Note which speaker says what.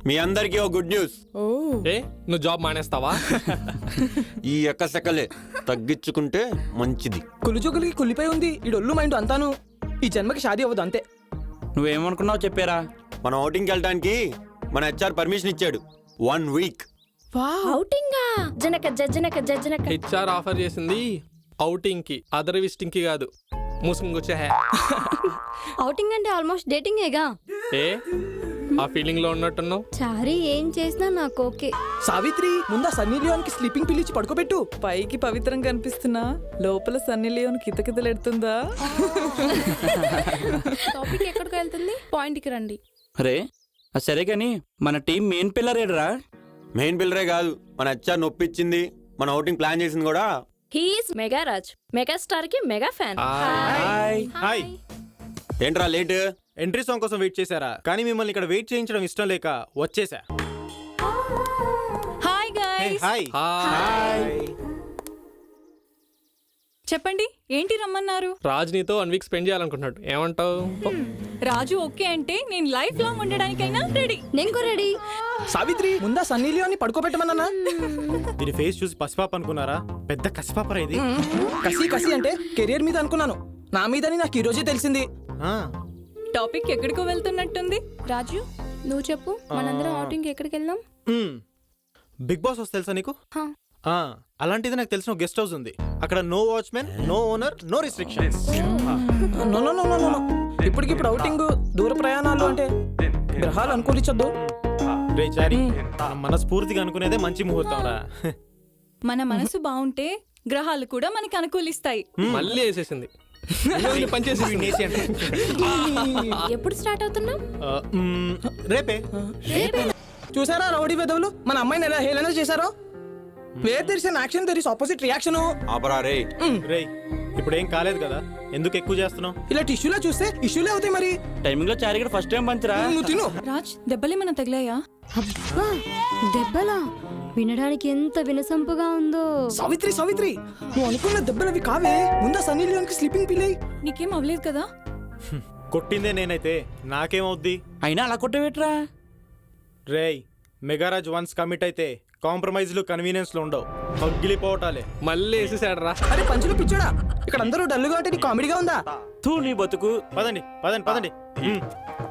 Speaker 1: మీ అందరికీ ఓ good news.
Speaker 2: ఏ నువ్వు job మానేస్తావా?
Speaker 1: ఈ ఎక్కసెక్కలే తగ్గించుకుంటే మంచిది.
Speaker 3: కులిజోగులకి కులిపోయి ఉంది ఈ డొల్లు మైండ్ అంతాను. ఈ జన్మకి షాదీ అవ్వదు అంతే.
Speaker 4: నువ్వేమనుకున్నావు చెప్పారా?
Speaker 1: మనం outing కి వెళ్ళడానికి మన హెచ్ఆర్ పర్మిషన్ ఇచ్చాడు. 1 week.
Speaker 5: ఔటింగా జనక జనక జనక
Speaker 2: హెచ్ఆర్ ఆఫర్ చేసింది అవుటింగ్ కి, అదర్ విజిటింగ్ కి కాదు. మూసుకొచ్చే
Speaker 5: ఔటింగ్ అంటే ఆల్మోస్ట్ డేటింగేగా.
Speaker 2: ఏ ఆ ఫీలింగ్ లో ఉన్నట్టున్నావు.
Speaker 5: చారీ ఏం చేసినా నాకు ఓకే.
Speaker 3: సావిత్రి ముందా సన్నీ లియోన్ కి స్లీపింగ్ పిలిచి పడుకోబెట్టు.
Speaker 6: పైకి పవిత్రంగా కనిపిస్తున్నా లోపల సన్నీ లియోన్ కితకితలెడుతుందా?
Speaker 7: టాపిక్ ఎక్కడికి వెళ్తుంది? పాయింట్ కి రండి.
Speaker 4: అరే సరే కానీ మన టీం మెయిన్ పిల్లర్ ఏడరా?
Speaker 1: మెయిన్ పిల్లరే కాదు, మన హెచ్ఆర్ నొప్పిచ్చింది. మన outing ప్లాన్ చేసింది కూడా.
Speaker 5: హీఈస్ మెగా రాజ్, మెగాస్టార్ కి మెగా ఫ్యాన్.
Speaker 8: హాయ్.
Speaker 1: ఏంట్రా లేట్?
Speaker 8: ఎంట్రీ సాంగ్ కోసం వెయిట్ చేశారా? కానీ మిమ్మల్ని ఇక్కడ వెయిట్ చేయించడం ఇష్టం లేక వచ్చేసా.
Speaker 6: Hi guys.
Speaker 8: హాయ్.
Speaker 6: చెప్పండి ఏంటి రమ్మన్నారు?
Speaker 2: రాజ్ నీతో 1 week స్పెండ్ చేయాలనుకుంటున్నాడు, ఏమంటావు?
Speaker 6: రాజు ఓకే అంటే నేను లైఫ్ లాంగ్ ఉండడానికైనా రెడీ.
Speaker 5: నేను రెడీ.
Speaker 3: సావిత్రి ముందా సన్నీ లియోన్ ని పడుకోబెట్టమన్నా.
Speaker 8: దీని ఫేస్ చూసి పసిపాప అనుకున్నారా? పెద్ద కసిపాపరా ఇది.
Speaker 3: కసి కసి అంటే కెరియర్ మీద అనుకున్నాను, నా మీదని నాకు ఈ రోజే తెలిసింది.
Speaker 6: టాపిక్ ఎక్కడికో వెళ్తున్నట్టుంది.
Speaker 7: రాజు నువ్వు చెప్పు, మనందరం ఔటింగ్ ఎక్కడికి వెళ్దాం?
Speaker 8: బిగ్ బాస్ హౌస్ తెలుసా నీకు?
Speaker 7: హా.
Speaker 8: అలాంటిది నాకు తెలిసిన గెస్ట్ హౌస్ ఉంది. అక్కడ no watchman, no owner, no restrictions.
Speaker 3: No no no no no. ఇప్పటికిప్పుడు ఔటింగ్, దూర ప్రయాణాలు అంటే గ్రహాలు అనుకూలించొద్దు.
Speaker 8: రే చారి, మనస్ఫూర్తిగా అనుకునేదే మంచి ముహూర్తం రా.
Speaker 6: మన మనసు బాగుంటే గ్రహాలు కూడా మనకి అనుకూలిస్తాయి.
Speaker 2: మళ్ళీ వేసేసింది. పనిచేసి
Speaker 5: ఎప్పుడు స్టార్ట్ అవుతున్నాం?
Speaker 8: రేపే.
Speaker 3: చూసారా రౌడీ వెదవులు మన అమ్మాయిని ఎలా హేళన చేశారో? Where there is an action there is opposite reaction.
Speaker 1: ఆపరా రే.
Speaker 8: రే ఇప్పుడు ఏం కాలేదు కదా, ఎందుకు ఎక్కువ చేస్తున్నావు?
Speaker 3: ఇలా టిష్యూలో చూస్తే ఇష్యూలే అవుతాయి మరి.
Speaker 4: టైమింగ్ లో చారి ఫస్ట్ టైం పంచరా?
Speaker 3: నువ్వు తిను.
Speaker 6: రాజ్ దెబ్బలేమన్నా తగిలాయా?
Speaker 5: అబ్బా దెబ్బలా, వినడానికి ఎంత వినసంపుగా ఉందో.
Speaker 3: సావిత్రి సావిత్రి నువ్వు అనుకున్న దెబ్బలు అవి కావే. ముందా సన్నీ లియోన్ కి స్లీపింగ్ పిల్ అయ్యి.
Speaker 6: నీకేం అవ్వలేదు కదా?
Speaker 8: కొట్టిందే నేనైతే, నాకేమవుద్ది?
Speaker 4: అయినా అలా కొట్టవేట్రా?
Speaker 8: రేయ్ మెగారాజ్ వన్స్ కమిట్ అయితే కాంప్రమైజ్లు కన్వీనియన్స్లు ఉండవు, పగిలిపోవటాలే.
Speaker 2: మళ్ళీ వేసేసాడు రా.
Speaker 3: అరే పంచులు పిచ్చోడా, ఇక్కడ అందరూ డల్లుగా అంటే నీ కామెడీగా ఉందా?
Speaker 4: తూ నీ బతుకు.
Speaker 8: పదండి పదండి పదండి.